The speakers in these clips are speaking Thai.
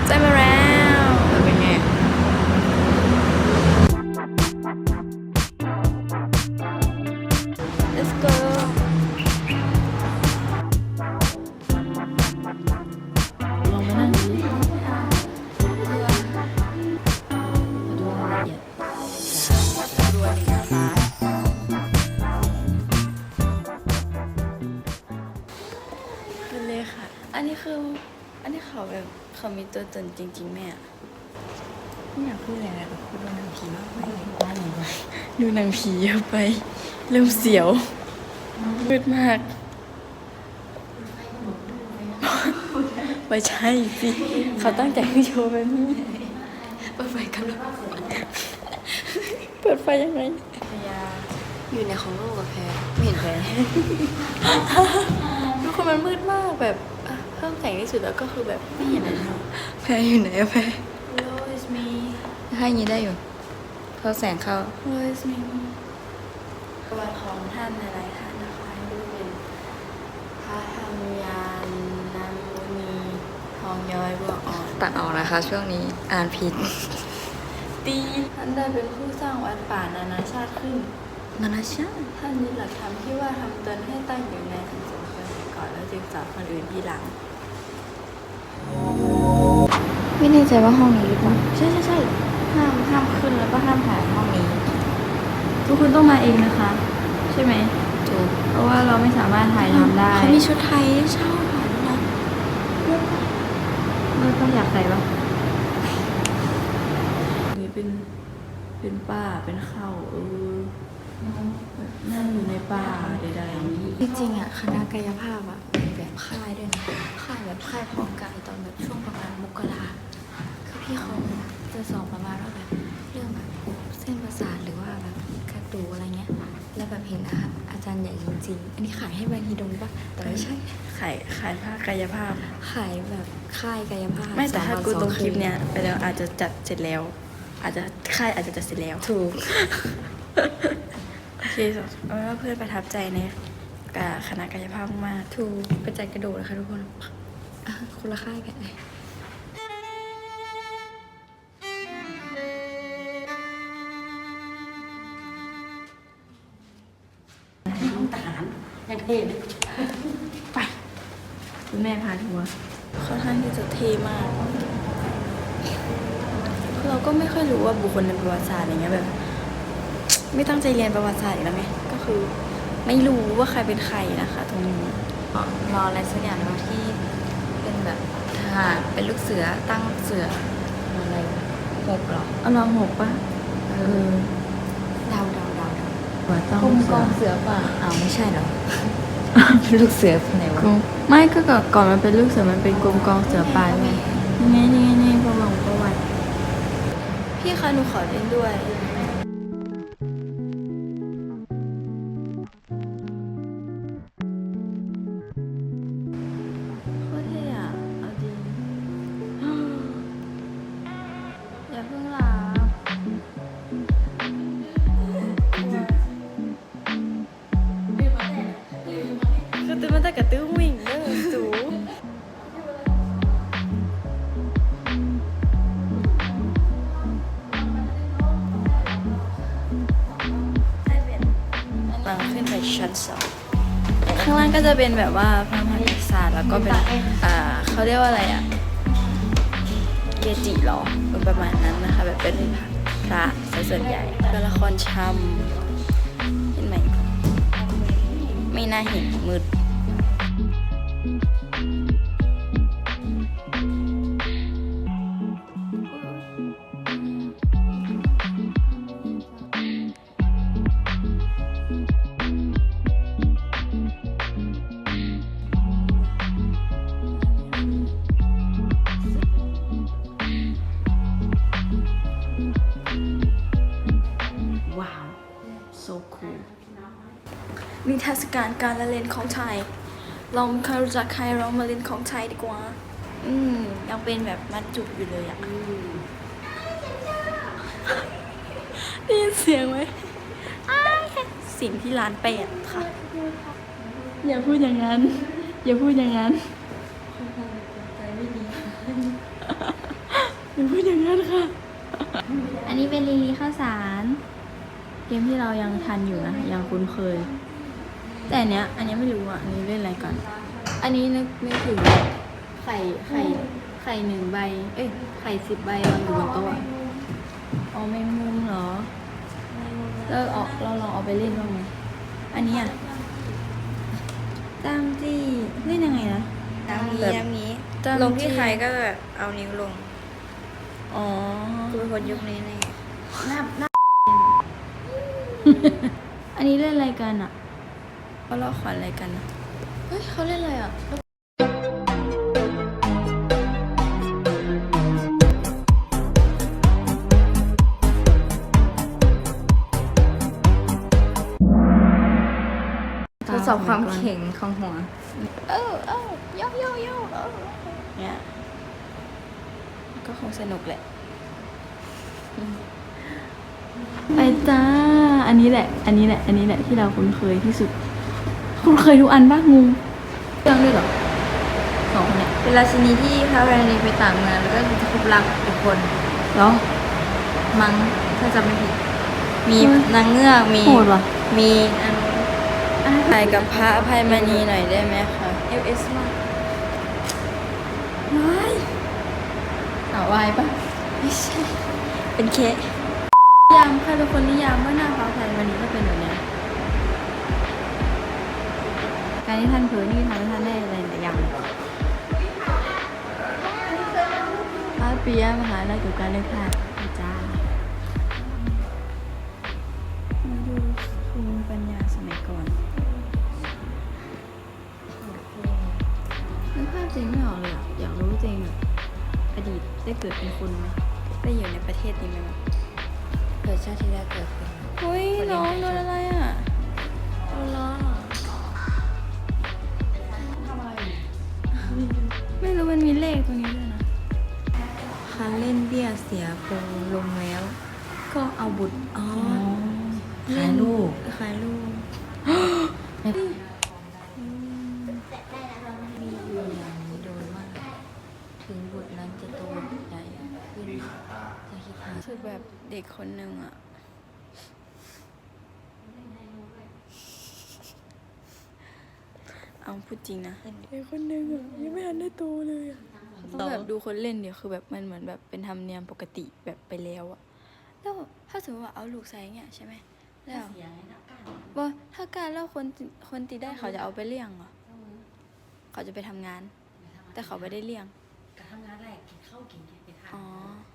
ได้มาแล้วเป็นไงlet's go ลองไปนั่งดูดิดูรายละเอียดรวยหน้าตาเป็นเลยค่ะ อันนี้เขาแบบเขามีตัวตนจริงๆแม่ไม่อยากพูดอะไรแต่พูดว่าหนังผีมากไปดูหนังผีเยอะไปเริ่มเสียวมืดมากไม่ใช่สิเขาตั้งใจให้โชว์แบบนี้เปิดไฟกันแล้วเปิดไฟยังไงอยู่ในของโลกอะแพ้ไม่เห็นแพ้ทุกคนมันมืดมากแบบเพิ่มแสงที่สุดแล้วก็คือแบบไม่เห็นอะไรแพ้อยู่ไหนอะแพ้ Hello it's me ให้อย่างนี้ได้อยู่เพราะแสงเข้า Hello it's me ประวัติของท่านหลายๆท่านนะคะดูเป็นพระธรรมยานน้ำมุนีทองย้อยบัวอ่อนตัดออกนะคะช่วงนี้อ่านผิดตีท่านได้เป็นผู้สร้างวัดป่านานาชาติขึ้นนานาชาติท่านยึดหลักธรรมที่ว่าทำตนให้ตั้งอยู่ในสังคมก่อนแล้วจึงสอนคนอื่นทีหลังไม่แน่ใจว่าห้องนี้หรือเปล่าใช่ห้ามขึ้นแล้วก็ห้ามถ่ายห้องนี้ทุกคนต้องมาเองนะคะใช่ไหมถูกเพราะว่าเราไม่สามารถถ่ายทำได้เขามีชุดไทยเช่าถ่ายด้วยนะเราต้องอยากใส่ปะนี่เป็นป่าเป็นเขานั่งอยู่ในป่าใดๆจริงๆอ่ะคณะกายภาพอ่ะมีแบบค่ายด้วยนะค่ายแบบค่ายเพาะกายตอนแบบช่วงประมาณมกราคือพี่เขาจะสอนประมาณว่าแบบเรื่องแบบเส้นประสาทหรือว่าแบบกระดูกอะไรเงี้ยแล้วแบบเห็นอาจารย์ใหญ่จริงๆอันนี้ขายให้แบรนด์ฮีดงปะแต่ไม่ใช่ขายภาคกายภาพขายแบบค่ายกายภาพไม่แต่ถ้ากูตรงคลิปเนี้ยไปแล้วอาจจะจัดเสร็จแล้วอาจจะค่ายอาจจะจัดเสร็จแล้วถูกโอเคเอาเป็นว่าเพื่อนประทับใจในคณะกายภาพมากถูกไปจัดกระโดดนะคะทุกคนคนละค่ายกันทหารยังเท่เลยไปคุณแม่พาทัวร์ค่อนข้างที่จะเท่มากเราก็ไม่ค่อยรู้ว่าบุคคลในประวัติศาสตร์อย่างเงี้ยแบบไม่ตั้งใจเรียนประวัติศาสตร์อีกแล้วไงก็คือไม่รู้ว่าใครเป็นใครนะคะตรงนี้รออะไรสักอย่างเราที่เป็นแบบทหารเป็นลูกเสือตั้งลูกเสืออะไรหกหรอเอาลองหกป่ะเดาว่าต้องกองเสือป่ะอ้าวไม่ใช่หรอลูกเสือไหนวะไม่ก็ก่อนมันเป็นลูกเสือมันเป็นกรมกองเสือป่าไงนี่ประวัติพี่คะหนูขอเล่นด้วยโคตรเท่อะเอาจริงอย่าเพิ่งหลับคือตื่นมาแต่กระตื้อวิ่งเด้อสูขึ้นไปชั้น2ข้างล่างก็จะเป็นแบบว่าพระมหากษัตริย์แล้วก็เป็นเขาเรียกว่าอะไรอะเกจิหรอประมาณนั้นนะคะแบบเป็นพระส่วนใหญ่เป็นละครชำเห็นไหมไม่น่าเห็นมืดนิทรรศการการละเล่นของไทยเราไม่เคยรู้จักใครเรามาเล่นของไทยดีกว่ายังเป็นแบบมัดจุกอยู่เลยได้ยินเสียงไหมสิ่งที่ร้าน8ค่ะอย่าพูดอย่างนั้นใจไม่ดีอย่าพูดอย่างนั้นค่ะ อันนี้เป็นลีลีข้าวสาร เกมที่เรายังทันอยู่นะ ยังคุ้นเคย แต่อันเนี้ยไม่รู้อ่ะ อันนี้เล่นอะไรก่อน อันนี้นึกถึงไข่1 ใบ เอ้ย ไข่10 ใบวางอยู่บนโต๊ะอ๋อแมงมุมเหรอเราลองเอาไปเล่นบ้างไหมอันนี้อ่ะตามจี้เล่นยังไงนะน้ำนี้ตามลงที่ใครก็แบบเอานิ้วลงอ๋อกูเป็นคนยุคนี้แน่อันนี้เล่นอะไรกันอ่ะเขาเล่าขวัญอะไรกันอ่ะเฮ้ยเขาเล่นอะไรอ่ะทดสอบความแข็งของหัวโยเนี่ยก็คงสนุกแหละไปจ้าอันนี้แหละที่เราคุ้นเคยที่สุดคุ้นเคยทุกอันป่ะงูเรื่องด้วยเหรอ2 คนเนี่ยเป็นราชินีที่พระราชินีไปต่างเมืองแล้วก็จะพบรักอีกคนเหรอมั้งถ้าจำไม่ผิด มีนางเงือกมีโหดว่ะมีอันถ่ายกับพระอภัยมณีหน่อยได้ไหมคะ LS มากวายวายปะไม่ใช่ เป็นเคสนิยามใครเป็นคนนิยามว่าหน้าพระอภัยมณีก็เป็นแบบเนี้ยการที่ท่านเผยนี่ทำให้ท่านได้อะไรหลายอย่างพระปิยมหาราชกิจการเลือกตั้งจ้ามาดูภูมิปัญญาสมัยก่อนนึกภาพจริงไม่ออกเลยอะอยากรู้จริงแบบอดีตได้เกิดเป็นคนไหมได้อยู่ในประเทศนี้ไหมวะเกิดชาติที่แล้วเกิดเป็นเฮ้ยน้องโดนอะไรอ่ะโอ้ล้อไม่รู้มันมีเลขตรงนี้ด้วยนะคันเล่นเบี้ยเสียโปงลงแล้ว ก็เอาบุตรขายลูก มีอยู่อย่างนี้โดยมากถึงบุตรนั้นจะโตใหญ่ขึ้นจะคิดหารู้สึกแบบเด็กคนหนึ่งอ่ะ เอาพูดจริงนะเด็กคนหนึ่งอ่ะยังไม่ทันได้โตเลยอ่ะต้องแบบดูคนเล่นเดี๋ยวคือแบบมันเหมือนแบบเป็นธรรมเนียมปกติแบบไปแล้วอ่ะแล้วถ้าสมมติว่าเอาลูกใส่เงี้ยใช่ไหมแล้วว่าถ้าการแล้วคนตีได้เขาจะเอาไปเลี้ยงเหรอเขาจะไปทำงาน แต่เขาไม่ได้เลี้ยงการทำงานแรกกินข้าวกินไปทานอ๋อ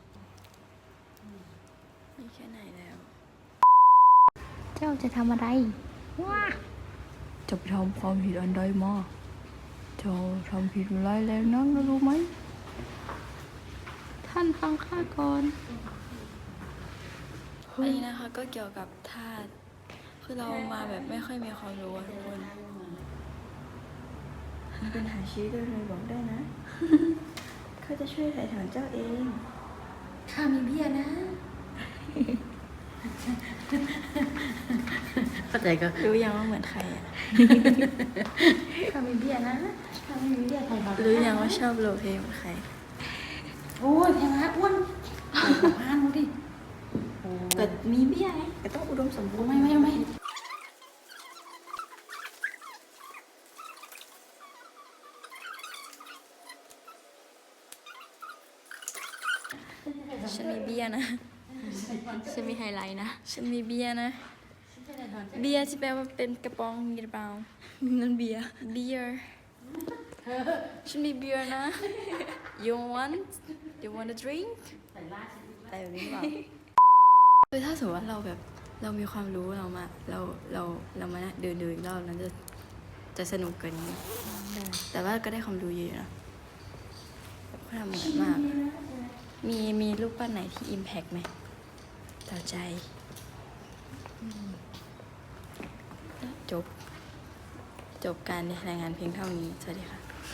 นี่แค่ไหนแล้วเจ้าจะทำอะไรจะไปทำความผิดอันใดมาเจ้าทำผิดร้ายแรงนักนะรู้ไหม ท่านฟังข้าก่อนอันนี้นะคะก็เกี่ยวกับธาตุคือเรามาแบบไม่ค่อยมีความรู้อะทุกคนมีปัญหาชีวิตโดยรวมบอกได้นะ เขาจะช่วยถ่ายถอนเจ้าเองข้ามีเบี้ยนะ เข้าใจก็รู้ยังว่าเหมือนใครอ่ะข้ามีเบี้ยนะข้าไม่มีเบี้ยไทยเขารู้ยังว่าชอบโลเพเหมือนใครโอ้ยแพงมากอ้วนพานดูดิแต่มีเบี้ยไงแต่ต้องอุดมสมบูรณ์ไม่ฉันมีเบี้ยนะฉันมีไฮไลท์นะฉันมีเบียร์นะ เบียร์ที่แปลว่าเป็นกระป๋องมีหรือเปล่านั่นเบียร์เบียร์ฉันมีเบียร์นะ you want a drink แต่แบบนี้เปล่าคือถ้าสมมติว่าเราแบบเรามีความรู้เรามามาเดินอีกรอบนั้นจะสนุกกว่านี้ แต่ว่าก็ได้ความรู้เยอะนะแบบเขาทำเหมือนมาก มีรูปปั้นไหนที่ impact ไหมต่อใจ จบการรายงานเพียงเท่านี้ สวัสดีค่ะ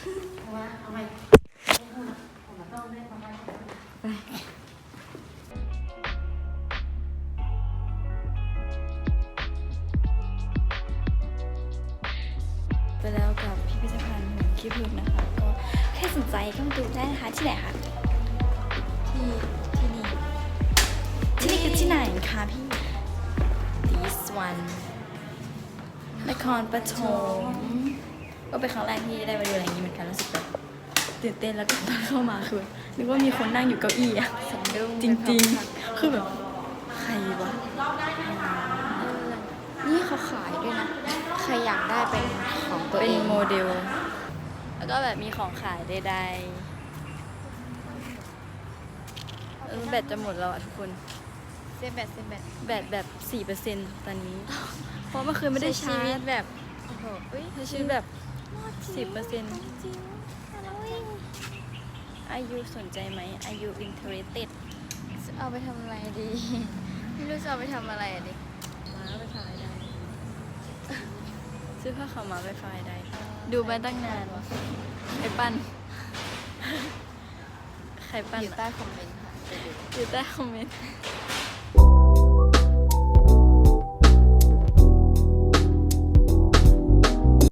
ไปแล้วกับพิพิธภัณฑ์หุ่นขี้ผึ้งนะคะ ก็ใครสนใจก็มาดูได้นะคะ ที่ไหนคะทที่นี่ที่นี่คือที่ไหนคะพี่ this one นครปฐมก็เป็นครั้งแรกที่ได้มาดูอะไรอย่างนี้เหมือนกันรู้สึกแบบตื่นเต้นแล้วก็ตอนเข้ามาคือนึกว่ามีคนนั่งอยู่เก้าอี้อะสะดุ้งจริงๆ คือแบบใครวะนี่เขาขายด้วยนะ ใครอยากได้เป็นของตัวเป็เอน งโมเดล แล้วก็แบบมีของขายใดๆแบตจะหมดแล้วอะทุกคนเส้นแบบแบตแบบ 4% ตอนนี้ เพราะเมื่อคืนไม่ได้ชาชีวิร์ตจแบบโอ้โหอุ้ยใช้ชีวิตแบบ 10% จริงอายุสนใจไหมอายุ interested เอาไปทำอะไรดี ไม่รู้จะเอาไปทำอะไรอะดิม้าไปไฟได้ ซื้อผ้าขาวม้าไปไฟได้ ดูมาตั้งนานใครปั้น ใครปั้นอยู่อะใต้คอมเมนต์ค่ะไปดูอยู่ใต้คอมเมนต์